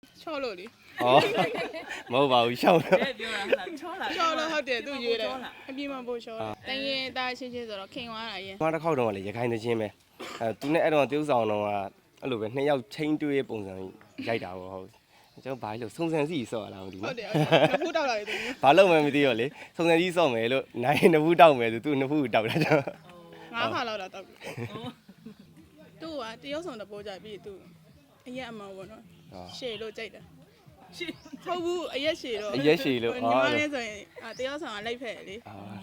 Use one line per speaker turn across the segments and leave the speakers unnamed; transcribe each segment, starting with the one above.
ချော့လို့လေ
ဟောမဟုတ်ပါဘူးရှောင်းတော့
ပြောတာဟုတ်လားချောလား
ချော့လို့ဟုတ်တယ်သူရွေးတယ်အပြင်းမပို့ချော့တန်ရင်သားချင်းချင်းဆိုတော့ခင်သွားတာရင်
။တစ်ခေါက်တော့လေရခိုင်သချင်းပဲ။သူနဲ့အဲ့တော့တရုပ်ဆောင်တော့ကအဲ့လိုပဲနှစ်ယောက်ချင်းတွေးပုံစံရိုက်တာပေါ့ဟုတ်။ကျွန်တော်ဘာလို့စုံစံစီဆော့ရလားမသိ
ဟု
ဘူး
တ်တယ်နှစ်ဖူးတောက်လာတယ်သူ
။ဘာလို့မှမသိတော့လေစုံစံစီဆော့မယ်လို့နိုင်နှစ်ဖူးတောက်မယ်ဆိုသူနှစ်ဖူးတောက်တာကျွန်တော်
ငါးခါလောက်တော့တောက်ပြီသူကတရုတ်ဆောင်တပိုးကြပြီးသူအရက်အမောင်ပေါ့နော်ရှေ့လို့ကြိုက်တယ်
ရှင်း
ဟုတ်ဘူးအရက်ရှည်တော့
အရက်ရှည်လို့
ညီမလေးဆိုရင်တရုတ်ဆောင်ကလိုက်ဖက်လေ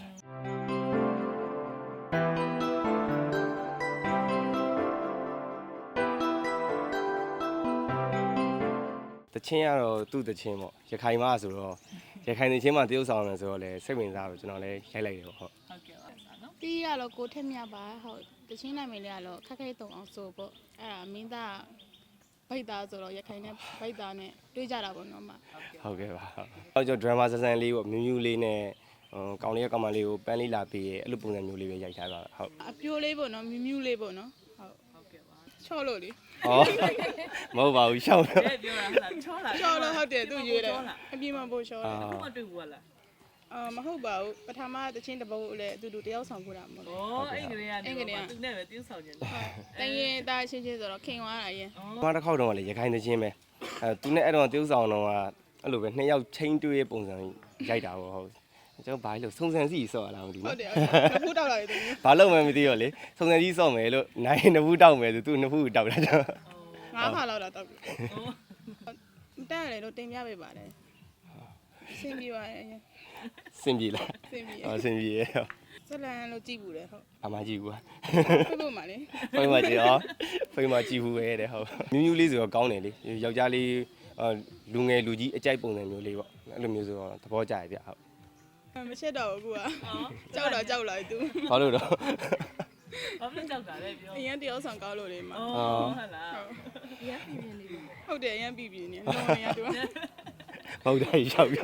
တချင်းကတော့သူ့တချင်းပေါ့ရခိုင်မဆိုတော့ရခိုင်တချင်းမှတရုပ်ဆောင်မယ်ဆိုတော့လေစိတ်ဝင်စားတော့ကျွန်တော်လည်းရိုက်လိုက်တယ်ပေါ့ဟုတ်
ဟုတ်ကဲ့ပါနော်
တီးရတော့ကိုထက်မြပါဟုတ်တချင်းနိုင်မလေးကတော့ခက်ခဲတုံအောင်ဆိုပေါ့အဲ့ဒါမင်းသားဗိတ်သားဆိုတော့ရခိုင်နဲ့ဗိတ်သားနဲ့တွေးကြတာပေါ့နော်မ
ဟုတ်ကဲ့ပါဟုတ်ကျွန်တော်ဒရမာဆန်ဆန်လေးပေါ့မြူးမြူးလေးနဲ့ကောင်လေးကောင်မလေးကိုပန်းလေးလာပေးရဲအဲ့လိုပုံစံမျိုးလေးပဲရိုက်ထားတာဟုတ်
အပြိုးလေးပေါ့နော်မြူးမြူးလေးပေါ့နော်ဟုတ်
ဟုတ်ကဲ့ပါ
ချော့လို့လေ
ဟောမဟုတ်ပါဘူးရှောင်းတော့
ပြောတာဟုတ်လားချောလား
ချော့လို့ဟုတ်တယ်သူရွေးတယ်အပြင်းမပို့ချော့တယ်
ခုမှတွေ့ဘူးလား
မဟုတ်ပါဘူးပထမတချင်းတပုတ်လည်းအတူတူတယောက်ဆောင်ပို့တာမဟုတ်
ဩအဲ့ကလေးကနေသူနဲ့ပဲတင်းဆောင်နေတယ်
တန်ရင်သားချင်းချင်းဆိုတော့ခင်သွားတာရင်
တစ်ခေါက်တော့လေရခိုင်သချင်းပဲသူနဲ့အဲ့တော့တရုပ်ဆောင်တော့ကအဲ့လိုပဲနှစ်ယောက်ချင်းတွေးပုံစံရိုက်တာပေါ့ဟုတ်ကျွန်တော်ဘာလို့စုံစံစီဆော့ရလားမသိ
ဟု
ဘူး
တ်တယ်နှစ်ဖူးတောက်လာတယ်သူ
ဘာလို့မှမသိတော့လေစုံစံစီဆော့မယ်လို့နိုင်နှစ်ဖူးတောက်မယ်ဆိုသူနှစ်ဖူးတောက်တာကျွန်တော်
ငါးခါလောက်တော့တောက်ပြီတက်ရတယ်လို့တင်ပြပေးပါတယ်ဆင်ပြေပါရဲ့
စင်ပြေလား
ဆင်ပြေ
ဟောစင်ပြေရ
ဇလန်လို့ကြည့်ဘူးလေဟုတ်
အမကြည့်ဘူး
ပြဖို့မှာလေ
ဖိမကြည့်ရောဖိမကြည့်ဘူးပဲတဲ့ဟုတ်မြူးမြူးလေးဆိုတော့ကောင်းတယ်လေယောက်ျားလေးလူငယ်လူကြီးအကြိုက်ပုံစံမျိုးလေးပေါ့အဲ့လိုမျိုးဆိုတော့သဘောကျရပြဟုတ်
မချက်တော့ဘူးကွာကြောက်တော့ကြောက်လာသူ
ဘာလို့တော့
ဘာဖြစ်ကြောက်တာလဲပြော
အရင်တယောက်ဆောင်ကောက်လို့လေမှာ
ဩဟုတ်လားရပြင်းနေပြီ
ဟုတ်တယ်အရင်ပြီပြီနေလုံးဝရတူ
ဟုတ်တယ်ရောက်ပြော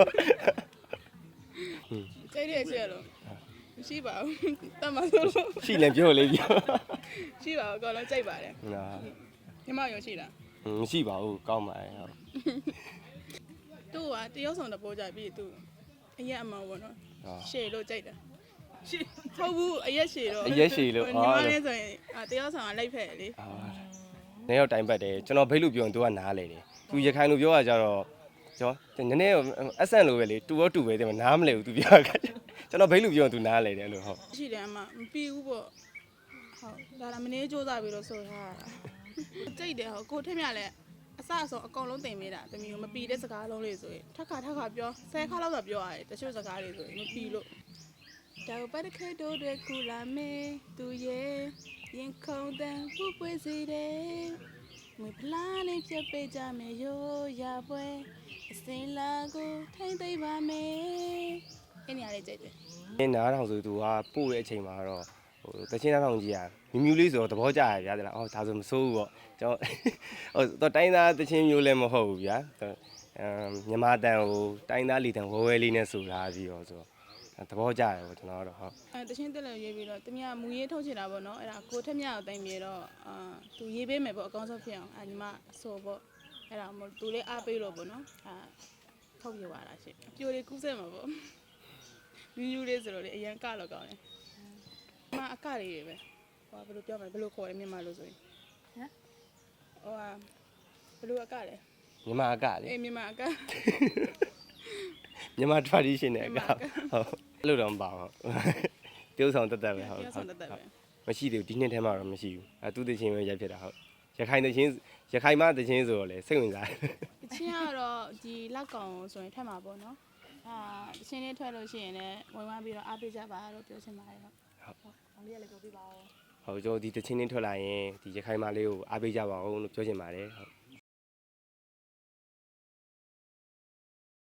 ကျိတ်တဲ့အချက်လို့ရှိပါဘူးတတ်မှာဆိုလို့
ရှိလည်းပြောလေပြော
ရှိပါဘူးအကောင်လုံးကြိုက်ပါတယ်
နာ
ညီမရုံရှိလား
မရှိပါဘူးကောင်းပါတယ်ဟုတ်
သူကတယောက်ဆောင်တပိုးကြပြီးသူအရက်အမောင်ပေါ့နော်ရှေ့လို့ကြိုက်တယ်
ရှင်း
ဟုတ်ဘူးအရက်ရှည်တော့
အရက်ရှည်လို့
ညီမလေးဆိုရင်တယောက်ဆောင်ကလိုက်ဖက်လေ
နေရောက်တိုင်ပတ်တယ်ကျွန်တော်ဘိတ်လို့ပြောရင် तू ကနားလေတယ် तू ရခိုင်လို့ပြောရကြတော့ကျွန်တော်နည်းနည်းအဆန်လိုပဲလေတူရောတူပဲတဲ့နားမလဲဘူး तू ပြောတာကျွန်တော်ဘိတ်လို့ပြောရင် तू နားလေတယ်အဲ့လိုဟုတ်
ရှိတယ်အမမပြီးဘူးပေါ့ဟုတ်ဒါလာမနေစူးစားပြီးတော့ဆိုထားတာကြိတ်တယ်ဟုတ်ကိုထက်မြလည်းအစအဆုံးအကောင်လုံးတင်ပေးတာတမီးကိုမပြီးတဲ့စကားလုံးလေးဆိုရင်ထက်ခါပြော10ခါလောက်တော့ပြောရတယ်တချို့စကားတွေဆိုရင်မပြီးလို့ဒါပတ်တခဲတို့တွေကူလာမေးသူရဲ့ရင်ခုန်တဲ့ပူပွေးစီတယ်ငွေဖလားလေးပြပေးကြမယ်ရိုးရပွဲအစင်လာကိုထိမ့်သိပ်ပါမယ်အဲ့နေရာလေးကြိတ်တယ်
နင်းနားထောင်ဆို तू ကပို့တဲ့အချိန်မှာတော့ဟိုတချင်းနားထောင်ကြီးอ่ะမြူးမြူးလေးဆိုတော့သဘောကျရဗျာတဲ့လားအော်ဒါဆိုမစိုးဘူးပေါ့ကျွန်တော်ဟိုတော့တိုင်းသားတချင်းမျိုးလည်းမဟုတ်ဘူးဗျာမြန်မာတန်ဟိုတိုင်းသားလီတန်ဝဲဝဲလေးနဲ့ဆိုထားပြီးတော့ဆိုတော့သဘောကျတယ်ပေါ့ကျွန်တော်ကတော့ဟုတ်
တချင်းတက်လည်းရေးပြီးတော့တမီးကမူရေးထုတ်ချင်တာပေါ့နော်အဲ့ဒါကိုထက်မြကိုတိုင်ပြီးတော့သူရေးပေးမယ်ပေါ့အကောင်းဆုံးဖြစ်အောင်ညီမဆိုပေါ့အဲ့ဒါမို့သူလေးအားပေးလို့ပေါ့နော်ထုတ်ပြပါလားရှင့်အပြိုလေးကူးစက်မှာပေါ့မြူးမြူးလေးဆိုတော့လေအရန်ကတော့ကောင်းတယ်မအကလေးတွေပဲဟောဘယ်လိုပြောမလဲဘယ်လိုခေါ်ရမြန်မာလို့ဆိုရင်ဟိုဘယ်လိုအကလဲ
မြန်မာအကလေ
အေးမြန်မာအက
မြန်မာ tradition နဲ့အကဟုတ်အဲ့လိုတော့မပါဘူးတရုပ်ဆောင်တက်တက်ပဲဟုတ်
ပြောဆောင်တတ်တယ်ပဲ
မရှိသေးဘူးဒီနှစ်ထဲမှာတော့မရှိဘူးအဲသူတချင်းပဲရိုက်ဖြစ်တာဟုတ်ရခိုင်တချင်းရခိုင်မတချင်းဆိုတော့လေစိတ်ဝင်စားတယ်
တချင်းကတော့ဒီလက်ကောင်ဆိုရင်ထက်မှာပေါ့နော်တချင်းလေးထွက်လို့ရှိရင်လည်းဝင်သွားပြီးတော့အားပေးကြပါလို့ပြောချင်ပါတယ်ဟုတ်အောင်လေးလည်းပြောပြပါဦး
ဟုတ်ကျွန်တော်ဒီတချင်းချင်းထွက်လာရင်ဒီရခိုင်မလေးကိုအားပေးကြပါဦးလို့ပြောချင်ပါတယ်ဟုတ်